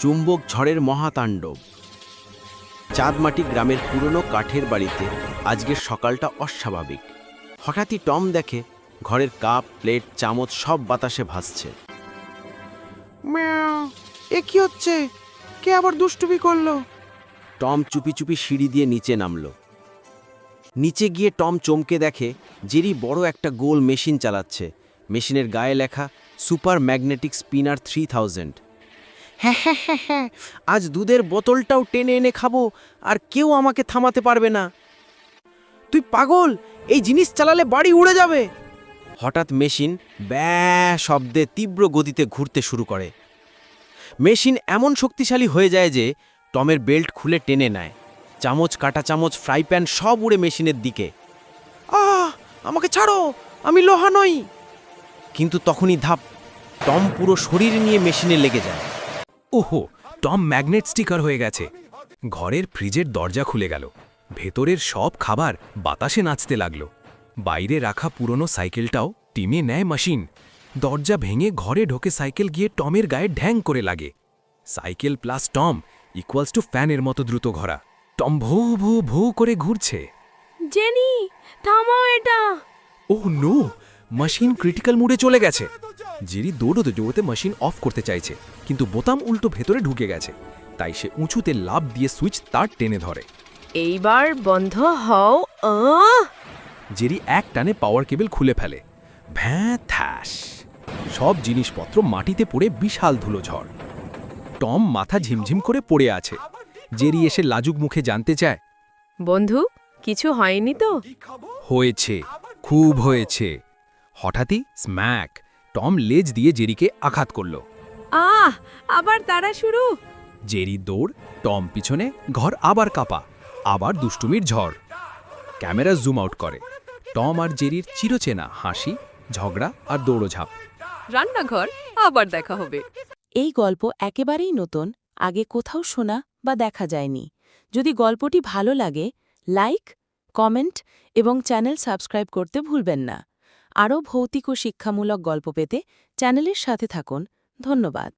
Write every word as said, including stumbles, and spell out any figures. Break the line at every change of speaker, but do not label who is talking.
চুম্বক ঝড়ের মহাতাণ্ডব। চাঁদমাটি গ্রামের পুরনো কাঠের বাড়িতে আজকের সকালটা অস্বাভাবিক। হঠাৎই টম দেখে ঘরের কাপ, প্লেট, চামচ সব বাতাসে ভাসছে।
ম্যাও, এ কি হচ্ছে? কে আবার দুষ্টুমি করলো?
টম চুপি চুপি সিঁড়ি দিয়ে নিচে নামল। নিচে গিয়ে টম চমকে দেখে জেরি বড় একটা গোল মেশিন চালাচ্ছে। মেশিনের গায়ে লেখা super magnetic spinner three thousand. হ্যাঁ হ্যাঁ হ্যাঁ হ্যাঁ, আজ দুধের বোতলটাও টেনে এনে খাবো, আর কেউ আমাকে থামাতে পারবে না। তুই পাগল, এই জিনিস চালালে বাড়ি উড়ে যাবে। হঠাৎ মেশিন ব্যাঁ শব্দে তীব্র গতিতে ঘুরতে শুরু করে। মেশিন এমন শক্তিশালী হয়ে যায় যে টমের বেল্ট খুলে টেনে নেয়। চামচ, কাটা চামচ, ফ্রাই প্যান সব উড়ে মেশিনের দিকে। আহ, আমাকে ছাড়ো, আমি লোহা নই। কিন্তু তখনই ধাপ, টম পুরো শরীর নিয়ে মেশিনে লেগে যায়।
ওহো, টম ম্যাগনেট স্টিকার হয়ে গেছে। ঘরের ফ্রিজের দরজা খুলে গেল। ভেতরের সব খাবার বাতাসে নাচতে লাগল। বাইরে রাখা পুরনো সাইকেলটাও টিমে নেয় মেশিন। দরজা ভেঙে ঘরে ঢোকে সাইকেল গিয়ে টমের গায়ে ঢ্যাং করে লাগে। Cycle plus Tom equals two ফ্যানের মতো দ্রুত ঘোরা। টম ভো ভো ভো করে ঘুরছে।
জেনি, থামাও এটা।
ওহ নো, মেশিন ক্রিটিক্যাল মোডে চলে গেছে। জেরি দৌড়তে দৌড়তে মেশিন অফ করতে চাইছে, কিন্তু বোতাম উল্টো ভেতরে ঢুকে গেছে। তাই সে উঁচুতে লাফ দিয়ে সুইচ তার টেনে ধরে।
এইবার বন্ধ হও। আহ!
জেরি এক টানে পাওয়ার কেবল খুলে ফেলে। ভ্যাঁ থ্যাস, সব জিনিসপত্র মাটিতে পড়ে বিশাল ধুলো ঝড়। টম মাথা ঝিমঝিম করে পড়ে আছে। জেরি এসে লাজুক মুখে জানতে চায়,
বন্ধু, কিছু হয়নি তো?
হয়েছে, খুব হয়েছে। হঠাৎই স্ম্যাক, টম লেজ দিয়ে জেরিকে আঘাত করল।
আহ, আবার তারা শুরু।
জেরি দৌড়, টম পিছনে, ঘর আবার কাঁপা, আবার দুষ্টুমির ঝড়। ক্যামেরা জুম আউট করে টম আর জেরির চিরচেনা হাসি, ঝগড়া আর দৌড়ঝাঁপ।
রান্নাঘর আবার দেখা হবে।
এই গল্প একেবারেই নতুন, আগে কোথাও শোনা বা দেখা যায়নি। যদি গল্পটি ভালো লাগে, লাইক, কমেন্ট এবং চ্যানেল সাবস্ক্রাইব করতে ভুলবেন না। আরও ভৌতিক ও শিক্ষামূলক গল্প পেতে চ্যানেলের সাথে থাকুন। ধন্যবাদ।